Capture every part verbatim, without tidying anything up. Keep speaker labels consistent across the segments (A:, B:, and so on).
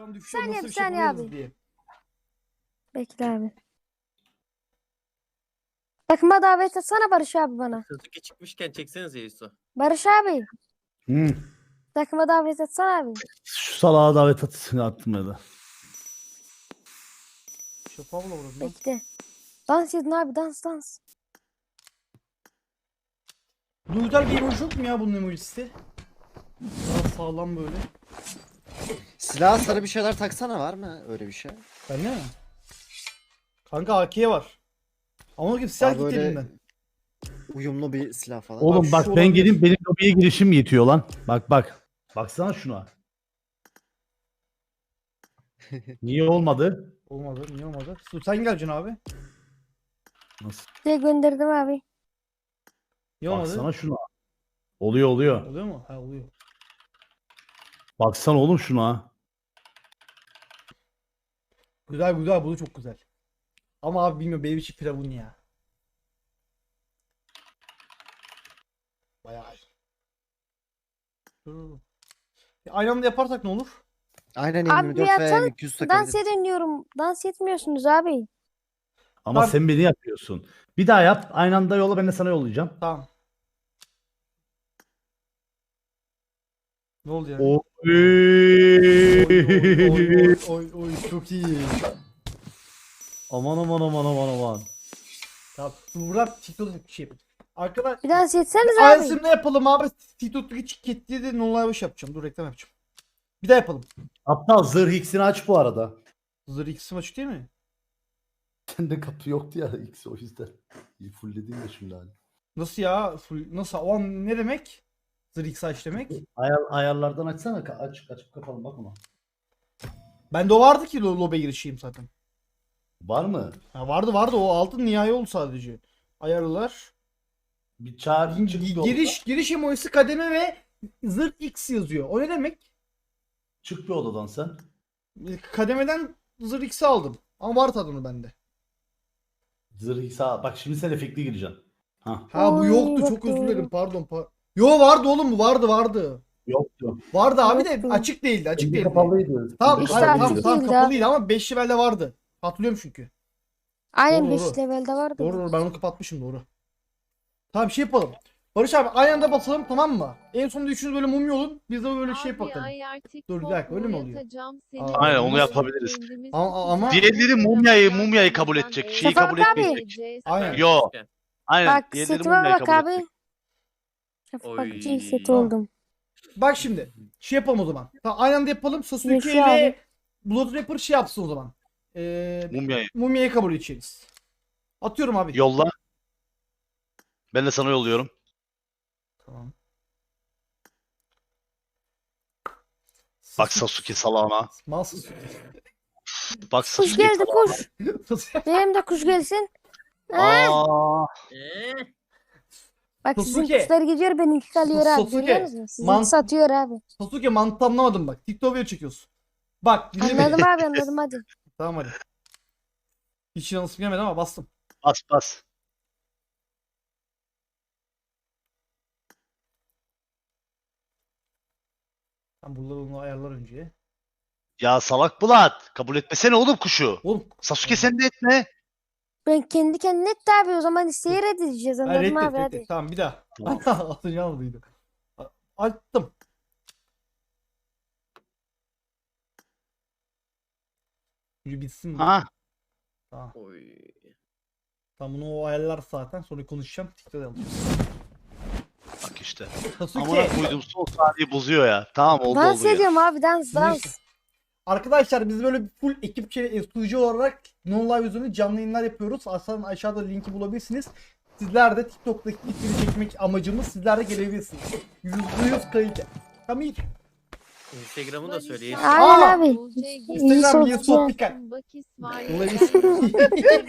A: Ekran
B: Bir
A: düşüyor,
B: saniye,
A: nasıl
B: bir
A: bir şey
B: saniye
A: yapıyoruz
B: abi.
A: diye.
B: Bekle abi. Takıma davet etsene Barış abi bana.
C: Sasuke çıkmışken çeksenize Yusuf.
B: Barış abi.
D: Hı.
B: Takıma davet etsene abi.
D: Şu salağa davet at- attım ya da.
A: Şapağı mı vurdun lan?
B: Bekle. Dans edin abi, dans dans.
A: Bu güzel bir emoji yok mu ya bunun emojisi? Daha sağlam böyle.
E: Silah sarı bir şeyler taksana, var mı öyle bir şey?
A: Bende mi? Kanka A K var. Ama gibi silah
E: Daha
A: gitti
E: böyle
A: elimden.
E: uyumlu bir silah falan.
D: Oğlum
A: şu
D: bak ben
A: olabilir.
D: geleyim benim lobiye girişim yetiyor lan. Bak bak. Baksana şuna. Niye olmadı?
A: Olmadı, niye olmadı? Su sen geleceksin abi.
D: Nasıl?
B: Size gönderdim abi.
A: Niye olmadı?
D: Baksana şuna. Oluyor oluyor.
A: Oluyor mu? Ha oluyor.
D: Baksana oğlum şuna.
A: Güzel güzel, bu da çok güzel. Ama abi bilmiyorum, benim için firavun ya. Bayağı. Dur. E, Aynı anda yaparsak ne olur?
E: Aynen
B: Abi
E: yirmi
B: bir
E: dört veya
B: atsana,
E: iki yüz
B: Dans
E: takabiliriz.
B: edin diyorum. Dans etmiyorsunuz abi.
D: Ama
A: Bak-
D: sen beni yapıyorsun. Bir daha yap. Aynı anda yolla, ben de sana yollayacağım.
A: Tamam. Ne oldu yani?
D: Oy.
A: Oy, oy, oy, oy, oy, çok iyi.
D: Aman aman aman aman aman.
A: Tamam. Buradan TikTok'ta bir şey yapayım. Arkadaşlar
B: Bir dans etseniz abi.
A: aynısını yapalım abi. TikTok'taki çiketliği de non-live iş yapacağım. Dur reklam yapacağım. Bir daha yapalım.
D: Aptal zırh x'ini aç bu arada.
A: Zırh ikisi maçı değil mi?
D: Sende kapı yoktu ya x o yüzden. İyi fullledin de şimdi hani.
A: Nasıl ya? Full, nasıl? O an ne demek? Zırh ikisi aç demek.
D: Ayar, ayarlardan açsana. Ka- Aç, açıp kapalım bak ona.
A: Bende o vardı ki lo- lobe girişeyim zaten.
D: Var mı?
A: Ha, vardı vardı, o altın nihai oldu sadece. Ayarlar.
D: Bir çağır çık bir odadan.
A: Giriş giriş emojisi kademe ve zırh X yazıyor. O ne demek?
D: Çık bir odadan sen.
A: Kademeden zırh X'i aldım. Ama var tadını bende.
D: Zırh sağ. Bak şimdi sen efektli gireceksin. Ha.
A: Ha bu
B: Oy,
A: yoktu,
B: bak
A: çok özür
B: doğru.
A: dilerim, pardon. Pa Yo vardı oğlum, bu vardı vardı.
D: Yoktu.
A: Vardı abi de
B: Yoktu.
A: açık değildi, açık
D: Kendi
A: değildi.
D: kapalıydı.
A: Tamam,
D: Kendi
B: İşte
A: hayır,
B: açık
A: tamam,
D: kapalıydı.
A: tamam
B: değildi
A: kapalıydı ama beş levelde vardı. Hatırlıyorum çünkü.
B: Aynen
A: Doğru,
B: beş
A: doğru.
B: levelde vardı.
A: Doğru
B: bu.
A: doğru, ben onu kapatmışım, doğru. Tamam, bir şey yapalım. Barış abi aynı anda basalım, tamam mı? En sonunda üçünüz böyle mumya olun. Biz de böyle şey
F: Abi,
A: bakalım.
F: ay artık
A: Dur, bir dakika, öyle mi oluyor?
F: boyatacağım seni.
A: Aa,
G: Aynen, onu
F: Kendimiz
G: yapabiliriz.
F: kendimiz
A: Ama- ama-
G: Diğerleri mumyayı- mumyayı kabul edecek, şeyi
B: Şafak
G: kabul
B: abi.
G: etmeyecek.
A: Aynen.
G: Yo. Aynen.
B: Bak
G: Diğerleri
B: setime
G: mumyayı
B: bak
G: kabul
B: abi.
G: edecek.
B: Şafak
C: Oy.
B: iki set
A: Tamam.
B: oldum.
A: Bak şimdi şey yapalım o zaman. Tamam, aynı anda yapalım. Sasuke
B: Yaşa
A: ile
B: abi.
A: Blood Rapper şey yapsın o zaman. Ee,
G: Mumyayı.
A: mumyayı kabul edeceğiz. Atıyorum abi.
G: Yolla. Ben de sana yolluyorum.
A: Tamam.
G: Bak Sasuke salağına.
A: Mal Sasuke.
G: Bak
B: Kuş
G: Sasuke
B: geldi
G: salağına.
B: kuş. Benim de kuş gelsin.
G: Aa,
C: Eee?
B: Bak sizin
A: Sasuke.
B: kuşlar gidiyor, benimki kalıyor abi.
A: Sasuke.
B: Görüyor musun? Sizinki
A: Man-
B: satıyor abi.
A: Sasuke mantığı anlamadım bak. TikTok video çekiyorsun. Bak dinle beni.
B: Anladım abi, anladım hadi.
A: Tamam hadi. Hiç yanlışım gelmedi ama bastım.
G: bas bas.
A: Ben buraları onu ayarlar önce.
G: Ya salak Bulat. Kabul etmesene oğlum kuşu.
A: Oğlum.
G: Sasuke sen de etme.
B: Ben kendi kendine etti abi, o zaman isteği reddedeceğiz,
A: Ha,
B: anladım
A: reddet,
B: abi
A: reddet.
B: hadi.
A: Tamam bir daha.
G: Tamam.
A: Altıncı almadıydı. A- Attım. Önce bitsin mi?
G: Ha.
A: Tamam.
C: Oy.
A: Tamam, bunu o ayarlar zaten. Sonra konuşacağım. TikTok'ta alacağız.
G: Bak işte.
A: Sasuke.
G: Amına koydum, son saniye bozuyor ya. Tamam oldu
B: Dans
G: oldu ya.
B: ediyorum abi, dans
A: Neyse.
B: dans.
A: Arkadaşlar biz böyle full ekipçe sunucu olarak non live üzerinde canlı yayınlar yapıyoruz. Aşağıdan aşağıda linki bulabilirsiniz. Sizler de TikTok'taki kitleri çekmek amacımız, sizler de gelebilirsiniz. yüzde yüz kayıt. Tamam iyi.
C: Instagram'ı da söyle. Yusuf.
B: Aynen
A: Aa!
B: abi.
A: Instagram
B: İyi
A: Yusuf
B: sohbet.
A: Pikal.
F: Bakis var.
A: Olabilir.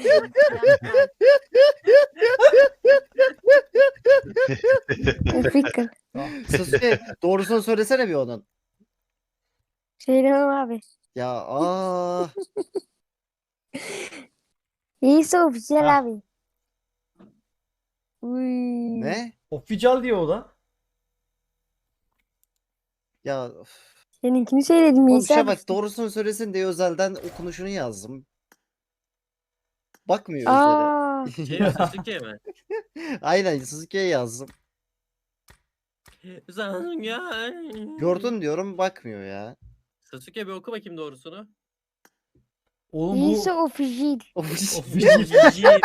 B: Fikir.
E: Sasuke doğrusunu söylesene bir onun.
B: Söylemem abi.
E: Ya aa.
B: İyi sohbet güzel
A: Ha.
B: abi. Uy.
E: Ne?
A: Official diyor o da.
E: Ya of.
B: Seninkini söyledim
E: Oğlum
B: İsa abi.
E: Şafak doğrusunu söylesin diye özelden okunuşunu yazdım. Bakmıyor üzere.
B: Aa,
C: Şey Sasuke mi?
E: Aynen Sasuke'ye yazdım.
C: Sasuke.
E: Gördün diyorum bakmıyor ya.
C: Sasuke bir oku bakayım doğrusunu.
A: Oğlum bu
B: İsa official.
A: official.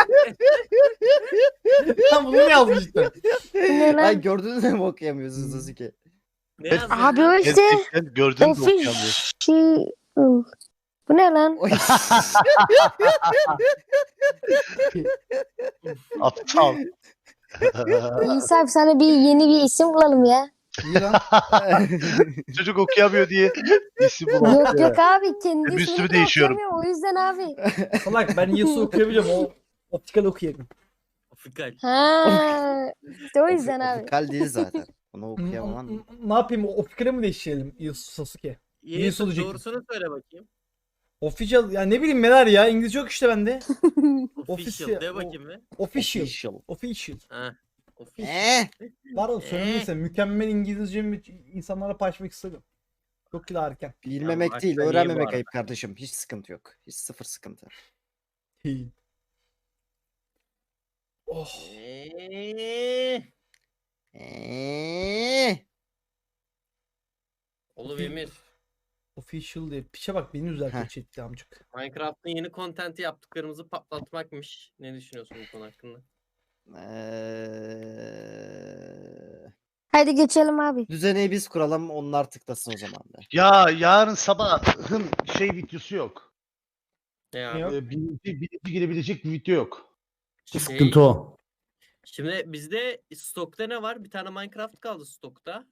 A: Lan bunu mu yazmış cidden?
B: Ne
E: Ay
B: lan?
E: gördünüz mü okuyamıyorsun Sasuke.
C: Ne yazdın?
B: Abi o işte
G: Gerçekten gördüğünü de okuyamıyor.
B: official. Bu ne lan?
E: Oy.
G: Aptal.
B: İsa abi sana bir yeni bir isim bulalım ya.
A: İyi lan.
G: Çocuk okuyamıyor diye isim bulan.
B: Yok yok abi kendi
G: Bir
B: ismini
G: sürü
B: de
G: değişiyorum.
B: okuyamıyorum, o yüzden abi.
A: Salak ben Yasuo okuyabiliyorum. O optikal okuyabilirim.
C: Afrikal.
B: Ha, işte o yüzden abi.
E: Ofikal değil zaten. Onu
A: N-
E: okuyamam.
A: n- Ne yapayım? Optikale mi değiştirelim Yasuo Sasuke?
C: Yeisu
A: olacak?
C: doğrusunu söyle bakayım.
A: Official ya ne bileyim neler ya İngilizce yok işte bende.
C: Official
A: Official,
C: de
A: o-
C: bakayım be.
A: Official.
E: Official.
A: Official.
C: Ha. Official.
E: Eee.
A: Var o söylemeyse mükemmel İngilizcemi insanlara paylaşmak istedim. Çok kilo erken.
E: Bilmemek
C: Ya,
E: değil,
C: başka iyi bu
E: öğrenmemek
C: arada.
E: ayıp kardeşim. Hiç sıkıntı yok. Hiç sıfır sıkıntı.
A: Hey. Oh.
C: Eee.
E: Eee.
C: Oğlum Emir.
A: Official diye. Piçe bak beni üzerken
E: Heh.
A: çekti amcık.
C: Minecraft'ın yeni kontenti yaptıklarımızı patlatmakmış. Ne düşünüyorsun bu konu hakkında?
E: Eee.
B: Hadi geçelim abi.
E: Düzeneyi biz kuralım, onlar tıklasın o zaman da.
G: Ya yarın sabahın şey videosu yok.
C: Ne
A: Ne
C: abi?
A: yok?
G: Ee, birinci, birinci girebilecek bir video yok.
C: Şey,
D: Sıkıntı o.
C: Şimdi bizde stokta ne var? Bir tane Minecraft kaldı stokta.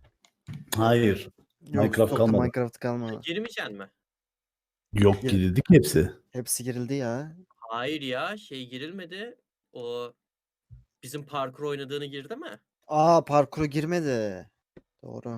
D: Hayır.
E: Yok,
D: Minecraft
E: stokta
D: kalmadı.
E: Minecraft kalmadı.
C: Girmeyeceksin mi?
D: Yok
E: Gir-
D: girdik hepsi.
E: Hepsi girildi ya.
C: Hayır ya şey girilmedi. O bizim parkur oynadığını girdi mi?
E: Aa parkuru girmedi. Doğru.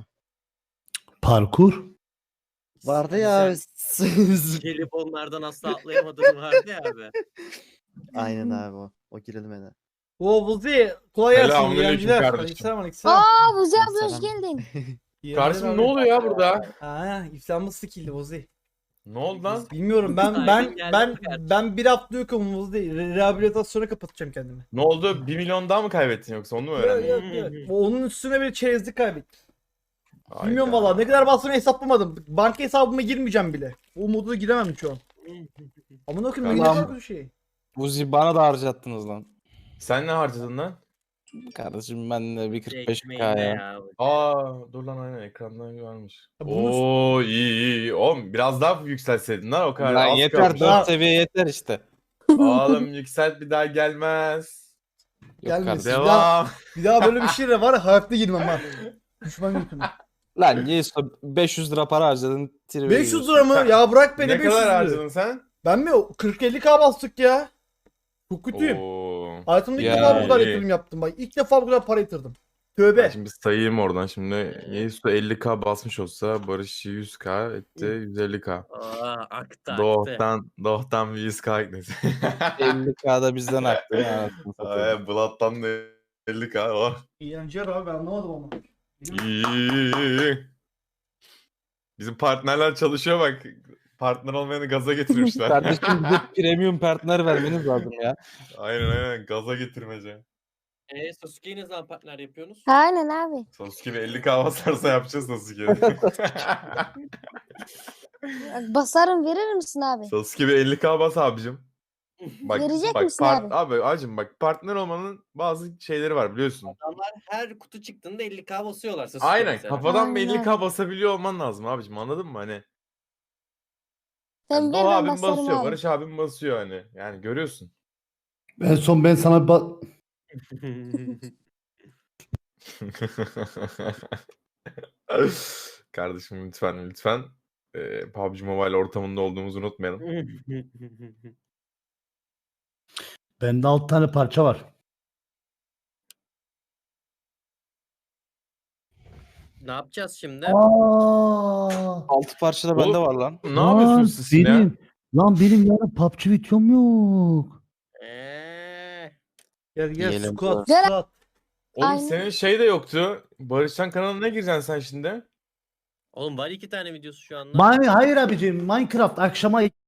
D: Parkur.
E: Vardı
C: Hani
E: ya.
C: sen gelip onlardan asla atlayamadığın vardı ya abi.
E: Aynen abi o. O girilmedi.
A: O Vuzi kolay gelsin.
F: Selamünaleyküm
A: Eğlenceler.
F: kardeşim.
A: Aleykümselam, aleykümselam.
B: Aa Buzi abi hoş
E: Selam.
B: geldin.
A: İyi
F: Kardeşim
A: eğlenceler
F: ne
A: abi.
F: oluyor ya burada?
A: Ha, iflamız skill'di Vuzi.
F: Ne oldu lan?
A: Bilmiyorum ben
C: Saygın
A: ben
C: geldi
A: ben
C: mi kardeşim?
A: ben bir hafta yokum Vuzi. Re- Rehabilitasyona kapatacağım kendimi.
F: Ne oldu? Bir milyon daha mı kaybettin yoksa onu mu
A: Yok,
F: öğrendin?
A: yok, yok. Onun üstüne bir çerezlik kaybettim.
F: Hayda.
A: Bilmiyorum valla ne kadar bastığını hesaplamadım. Banka hesabıma girmeyeceğim bile. O modu da giremem şu an. Amına koyayım ne
F: Tamam.
A: kadar bir şey.
H: Buzi bana da harcattınız lan.
F: Sen ne harcadın lan?
H: Kardeşim ben de bir kırk beş
C: Ekmeğinde
H: k ya.
C: ya.
F: Aa dur lan aynen ekrandan varmış.
A: Ya bunu-
F: Oo iyi iyi. Oğlum biraz daha yükselseydin lan o kadar
H: Lan
F: az
H: yeter
F: kalmış.
A: Daha-
H: dört seviye yeter işte.
F: Oğlum yükselt bir daha gelmez.
H: Yok
A: Gelmesin.
H: kardeşim.
A: Ya-
F: Devam.
A: Bir daha böyle bir şey de var ya hayatta girmem ha. Düşman götürme.
H: Lan Yesu beş yüz lira para harcadın. tribe
A: beş yüz
H: giriyorsun.
A: lira mı? Ya bırak beni
F: Ne
A: beş yüz
F: kadar
A: lira.
F: harcadın sen?
A: Ben mi? kırk elli k bastık ya. Çok kötüyüm.
F: Oo.
A: Hayatımda ilk
H: Ya,
A: defa bu kadar
F: iyi.
A: yatırım yaptım bak. İlk defa bu kadar para yatırdım.
F: Ben
A: Tövbe.
F: şimdi sayayım oradan şimdi. Yesu elli k basmış olsa Barış yüz k etti yüz elli k.
C: Aa aktı aktı.
F: Doğuktan, Doğuktan bir yüz k ekledi.
H: elli k'da bizden aktı. ya, anasını satayım.
F: Ay, Blood'dan da elli k var.
A: İğrenceler abi ben anlamadım ama. Benim-
F: İyi. Bizim partnerler çalışıyor bak. Partner olmayanı gaza getirmişler.
H: Kardeşim bize premium partner vermeniz lazım ya.
F: Aynen aynen gaza getirmece.
C: Eee Sasuke'yi ne zaman partner yapıyorsunuz?
B: Aynen abi.
F: Sasuke bir elli k basarsa yapacağız Sasuke'yi.
B: Bak, basarım verir misin abi?
F: Sasuke bir elli k bas abicim. Bak,
B: Verecek
F: bak,
B: misin
F: part-
B: abi?
F: abi? Acım bak partner olmanın bazı şeyleri var biliyorsun.
C: Adamlar her kutu çıktığında elli k basıyorlar Sasuke
F: Aynen
C: mesela.
F: kafadan bir
B: Aynen.
F: elli k basabiliyor olman lazım abicim anladın mı hani?
B: Sen
F: Yani
B: ver
F: Doğa
B: ben
F: abim
B: basarım
F: basıyor,
B: abi.
F: Barış abim basıyor hani. Yani görüyorsun.
D: En son ben sana bir ba-
F: Kardeşim lütfen lütfen e, P U B G Mobile ortamında olduğumuzu unutmayalım.
D: bende altı tane parça var.
C: Ne yapacağız şimdi?
D: Aa,
H: altı parça da bende var lan.
F: Ne yapıyorsunuz siz şimdi ya?
D: benim, Lan benim yarın P U B G videom yok.
C: Eee.
A: Gel gel
H: Yiyelim
A: squat
B: Gel.
A: squat.
F: Oğlum
B: Aynen.
F: senin şey de yoktu. Barışcan kanalına gireceksin sen şimdi.
C: Oğlum var iki tane videosu şu anda.
D: Mine, hayır abicim Minecraft akşama